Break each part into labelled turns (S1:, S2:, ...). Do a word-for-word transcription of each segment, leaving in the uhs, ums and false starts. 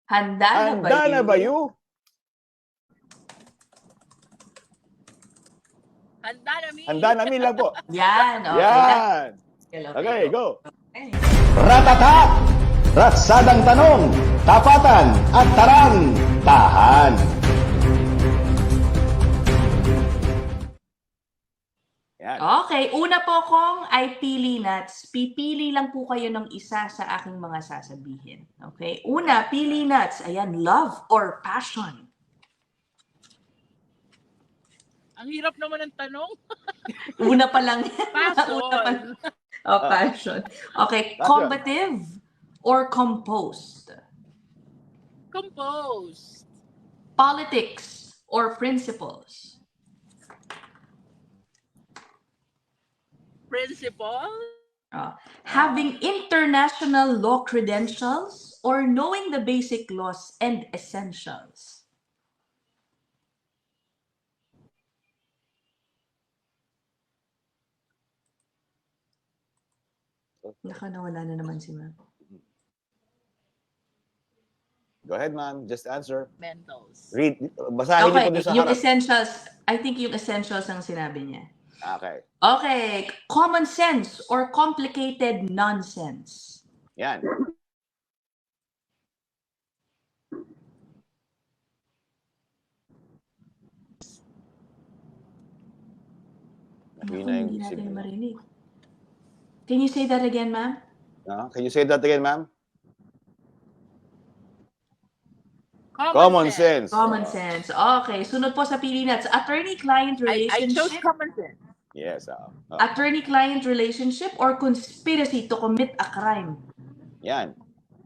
S1: Handa na ba
S2: Handa na
S1: you?
S2: ba you?
S3: Handa na mi.
S2: Handa na mi lang po.
S1: Yan, okay.
S2: Yan.
S1: That's-
S2: Okay, go.
S1: Okay.
S4: Ratatak! Ratsadang tanong, tapatan at tarang, tahan.
S2: Yan.
S1: Okay, una po kong ay pili nuts. Pipili lang po kayo ng isa sa aking mga sasabihin. Okay? Una, pili nuts. Ayan, love or passion?
S3: Ang hirap naman ng tanong.
S1: Una pa lang.
S3: Passion.
S1: Una pa lang. Oh, passion. Okay,
S2: Passion.
S1: combative or composed?
S3: Composed.
S1: Politics or principles?
S3: Principal.
S1: Uh, having international law credentials or knowing the basic laws and essentials? Naka, nawala na naman si ma'am.
S2: Go ahead, ma'am. Just answer.
S3: Mentals.
S2: Read. Basahin niyo po
S1: Okay,
S2: doon sa
S1: yung
S2: harap.
S1: essentials, I think yung essentials ang sinabi niya.
S2: Okay.
S1: Okay, common sense or complicated nonsense?
S2: Yan.
S1: Naku,
S2: Yun na yung
S1: hindi natin
S2: signal.
S1: marinig. Can you say that again, ma'am?
S2: No? Can you say that again, ma'am?
S3: Common,
S2: Common
S3: sense.
S2: sense.
S1: Common sense. Okay, sunod po sa pili nuts. Attorney-client
S3: I, I chose
S1: relationship?
S3: common sense.
S2: Yes. Uh, uh,
S1: Attorney-client relationship or conspiracy to commit a crime?
S2: yan.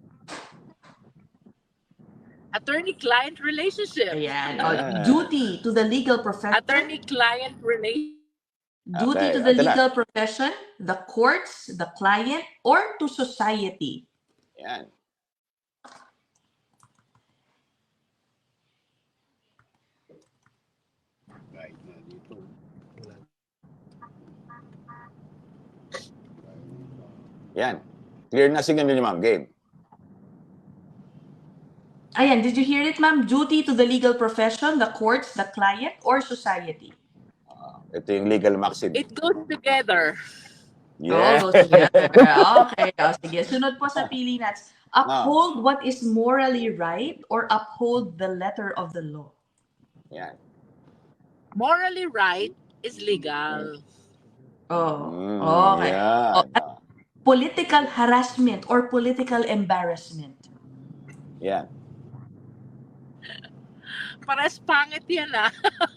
S3: Attorney-client relationship.
S1: Ayan. O,
S2: Ah.
S1: duty to the legal profession?
S3: Attorney-client relationship.
S1: Duty
S2: Okay,
S1: to the
S2: ito na.
S1: legal profession, the courts, the client, or to society?
S2: Yan. Yan. Clear na signal niyo, ma'am. Game.
S1: Ayan, did you hear it, ma'am? Duty to the legal profession, the courts, the client, or society?
S2: Ito yung legal maxim.
S3: It goes together.
S2: Yeah.
S1: Oh, goes together. Okay. O, sige. Sunod po sa pili nuts. Uphold what is morally right or uphold the letter of the law?
S2: Yan.
S3: Morally right is legal.
S1: Oh,
S2: Mm,
S1: okay.
S2: yan.
S1: Oh, at political harassment or political embarrassment?
S2: Yan.
S3: Pares pangit yan ah.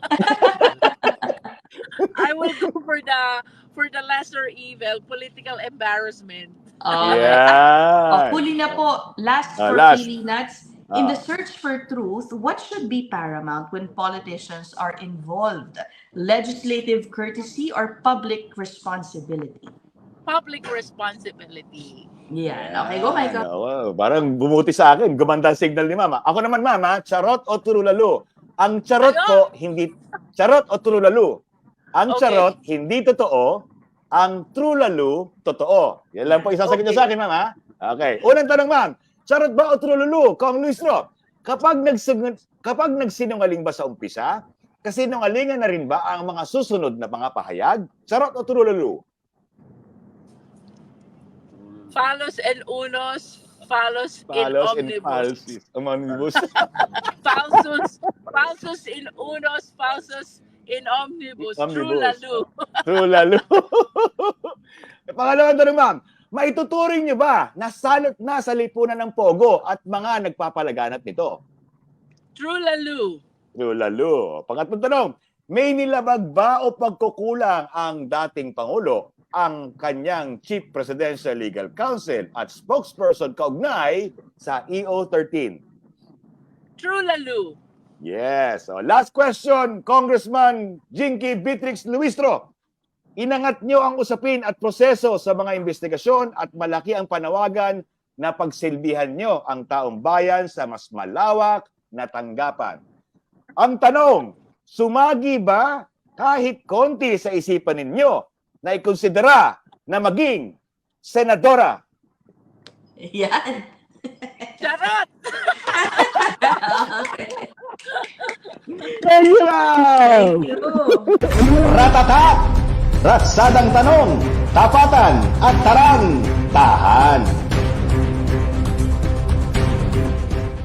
S3: I will go for the for the lesser evil, political embarrassment.
S1: Okay.
S2: Yan.
S1: Oh, huli na po. Last
S2: Ah,
S1: for
S2: last.
S1: pili nuts. In the
S2: Ah.
S1: search for truth, what should be paramount when politicians are involved? Legislative courtesy or public responsibility?
S3: Public responsibility.
S1: Yan. Okay, go, Michael.
S2: Yan, oo. Parang bumuti sa akin. Gumanda ang signal ni mama. Ako naman, mama, charot o turulalo? Ang charot
S3: Ano?
S2: ko, hindi... Charot o turulalo? Ang
S3: Okay.
S2: charot, hindi totoo. Ang trulalo, totoo. Yan lang po isasagot niyo
S3: Okay.
S2: sa akin, mama. Okay. Unang tanong, ma'am. Charot ba o trulalo? Kong Luistro, kapag, nagsig- kapag nagsinungaling ba sa umpisa, kasinungalingan na rin ba ang mga susunod na mga pahayag? Charot o trulalo?
S3: Falos and unos, falos,
S2: Palos
S3: in
S2: and
S3: omnibus.
S2: falsis. Omnibus.
S3: Falsus, falsus in unos, falsus in omnibus. True
S2: Omnibus.
S3: lalo.
S2: True lalo. Pangalawang tanong, ma'am. Maituturing niyo ba na salot na sa lipunan ng Pogo at mga nagpapalaganap nito?
S3: True lalo.
S2: True lalo. Pangatlong tanong. May nilabag ba o pagkukulang ang dating Pangulo, ang kanyang Chief Presidential Legal Counsel at spokesperson kaugnay sa E O thirteen?
S3: True lalo.
S2: Yes. So, last question, Congressman Jinky Beatrix Luistro. Inangat nyo ang usapin at proseso sa mga investigasyon at malaki ang panawagan na pagsilbihan nyo ang taong bayan sa mas malawak na tanggapan. Ang tanong, sumagi ba kahit konti sa isipan ninyo na ikonsidera na maging senadora?
S1: Yan.
S3: Charot!
S2: Thank you, ma'am!
S1: Thank you.
S4: Ratata! Ratsadang tanong, tapatan at tarang,